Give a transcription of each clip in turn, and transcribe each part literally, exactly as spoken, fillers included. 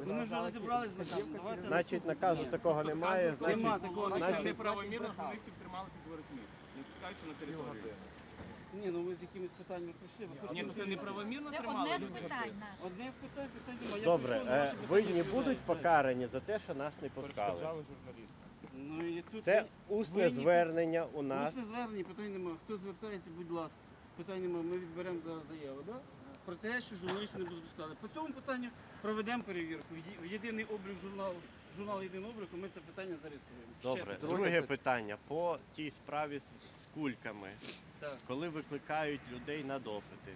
Ну, ми вже розібрались з наказом. Давайте Значить, наказу такого немає. Нема Значить, такого Значить, наказу. неправомірно журналістів тримали під воротьми, не пускаючи на територію. Ні, ну ви з якимись питаннями прийшли. Ви Ні, ну хочете- це неправомірно Це тримали одне з людей. питань наше. Одне з питань, питань немає. Я добре, прийшов на е, ваші ви питання не будуть відповідати. покарані за те, що нас не пускали. Перешкоджали журналістам. Ну, і тут Це ви- усне ви ні- звернення у нас. Усне звернення, питань немає. Хто звертається, будь ласка. Питань немає, ми відберемо зараз заяву, да? Про те, що журналістів не будуть пускати. По цьому питанню проведемо перевірку. В є- В єдиний облік журналу, журнал єдиного обліку, ми це питання зареєструємо. Ще Добре, питання. друге питання по тій справі з, з кульками. Так. Коли викликають людей на допити.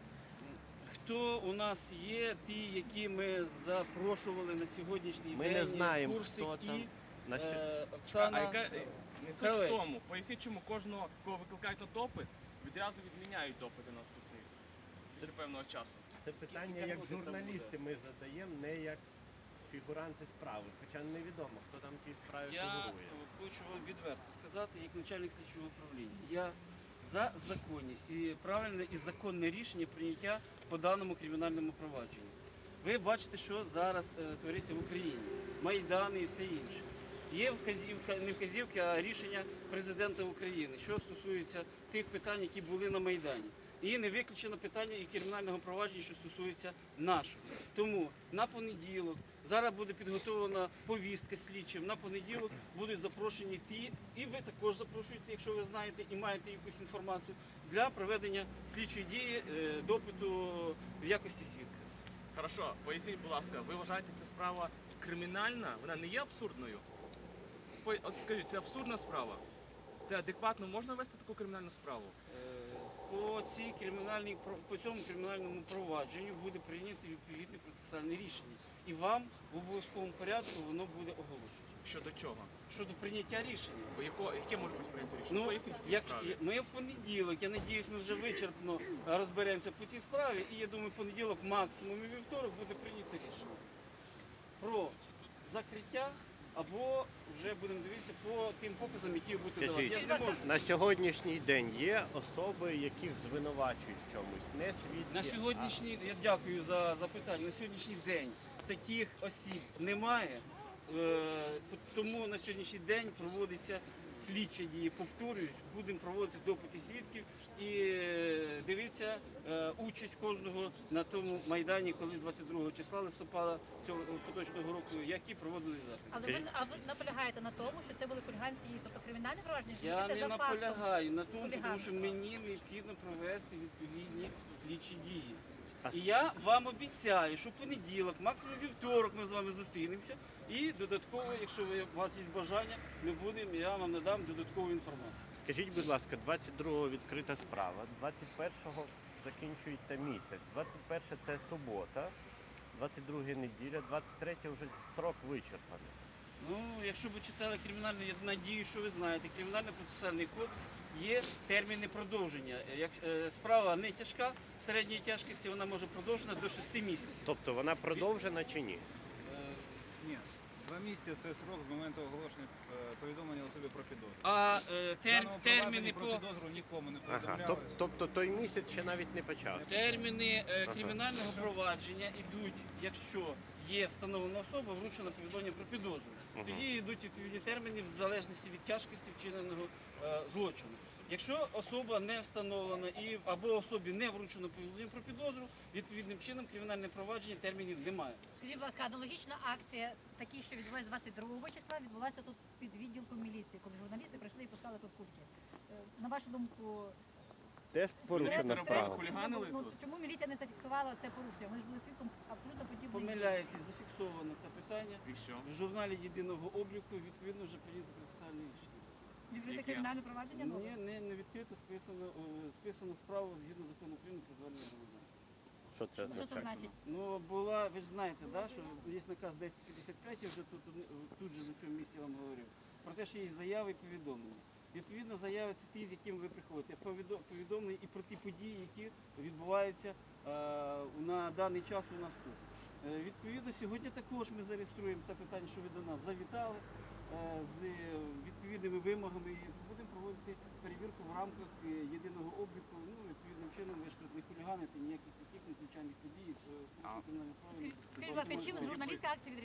Хто у нас є, ті, які ми запрошували на сьогоднішній Ми день, не знаємо, Курсик хто там. і На сьо- е, А Оксана. яка е, не суть Кравець. в тому, поясніть, чому кожного, кого викликають на допит, відразу відміняють допити на спеці після певного часу. Це питання Скільки як тягнути це журналісти ми задаємо, не як фігуранти справи. Хоча невідомо, хто там в тій справі Я фігурує. хочу вам відверто сказати, як начальник слідчого управління. Я за законність і правильне і законне рішення прийняття по даному кримінальному провадженню. Ви бачите, що зараз е, твориться в Україні. Майдани і все інше. Є вказівка, не вказівки, а рішення президента України, що стосується тих питань, які були на Майдані. І не виключено питання і кримінального провадження, що стосується нашого. Тому на понеділок зараз буде підготовлена повістка слідчим. На понеділок будуть запрошені ті, і ви також запрошуєте, якщо ви знаєте і маєте якусь інформацію, для проведення слідчої дії, е, допиту в якості свідка. Хорошо, поясніть, будь ласка, ви вважаєте, ця справа кримінальна? Вона не є абсурдною? По- От скажіть, це абсурдна справа? Це адекватно можна вести таку кримінальну справу? Е, По цій кримінальній про- по цьому кримінальному провадженню буде прийнято відповідне процесуальне рішення, і вам в обов'язковому порядку воно буде оголошено. Щодо чого? Щодо прийняття рішення. Бо яко- Яке може бути прийнято рішення? Ну, Поясніть в цій як справі. ми в понеділок, я надіюсь, ми вже вичерпно розберемося по цій справі, і я думаю, в понеділок, максимум і вівторок буде прийнято рішення про закриття. Або вже будемо дивитися по тим показам, які ви будете давати. Я ж не можу. На сьогоднішній день є особи, яких звинувачують в чомусь, не свідки. На сьогоднішній, я дякую за запитання, на сьогоднішній день таких осіб немає, е, тому на сьогоднішній день проводиться слідчі дії, повторюють, будемо проводити допити свідків і е, дивитися е, участь кожного на тому Майдані, коли двадцять другого числа листопада цього поточного року, які проводили захід. Але ви, а ви наполягаєте на тому, що це були хуліганські дії, тобто кримінальне провадження? Я Йдете не за фактом. наполягаю на тому, тому що хуліганства. мені необхідно провести відповідні слідчі дії. А І я вам обіцяю, що в понеділок, максимум вівторок ми з вами зустрінемося. І додатково, якщо ви, у вас є бажання, ми будемо, я вам надам додаткову інформацію. Скажіть, будь ласка, двадцять другого відкрита справа, двадцять першого закінчується місяць, двадцять перше це субота, двадцять друге неділя, двадцять третє вже срок вичерпаний. Ну, якщо ви читали кримінальний, я надію, що ви знаєте, кримінальний процесуальний кодекс є терміни продовження. Як е, справа не тяжка, середньої тяжкості вона може продовжена до шести місяців. Тобто вона продовжена чи ні? Е, Ні, два місяці це срок з моменту оголошення е, повідомлення особі про підозру. А е, В тер, даному терміни провадженні по про підозру нікому не Ага, повідомляли. тоб- тобто той місяць ще навіть не почався. терміни е, Ага. кримінального провадження йдуть, якщо є встановлена особа, вручена повідомлення про підозру. Мгм. Тоді йдуть відповідні терміни в залежності від тяжкості вчиненого е, злочину. Якщо особа не встановлена і або особі не вручено повідомлення про підозру, відповідним чином кримінальне провадження термінів немає. Скажіть, будь ласка, аналогічна акція, такі, що відбулася двадцять другого числа, відбулася тут під відділком міліції, коли журналісти прийшли і пускали тут куртки. Е, На вашу думку, Теж порушена Журналісти справа. робили хуліганили ну, тут? чому міліція не зафіксувала це порушення? Вони ж були свідком абсолютно подібної. Помиляєтесь, зафіксовано це питання. І що? В журналі єдиного обліку відповідно вже прийнято процесуальне рішення. Відкрите Яке? кримінальне провадження? Ні, не, не відкрито, списано, е, списано справу згідно закону України про звернення громадян. Що це Що це означає? значить? Ну, була, ви ж знаєте, да, що є наказ десять п'ятдесят п'ять, я вже тут, тут же на цьому місці вам говорив, про те, що є заяви і повідомлення. Відповідно, заяви це ті, з якими ви приходите. Повідо- Повідомлення і про ті події, які відбуваються е, на даний час у нас тут. Е, відповідно, сьогодні також ми зареєструємо це питання, що ви до нас завітали е, з відповідними вимогами і будемо проводити перевірку в рамках е, єдиного обліку. Ну, відповідним чином ви ж тут не хуліганите, ніяких таких надзвичайних подій, е, порушень кримінальних правил. Скажіть, будь ласка, чим журналістська акція відрізняється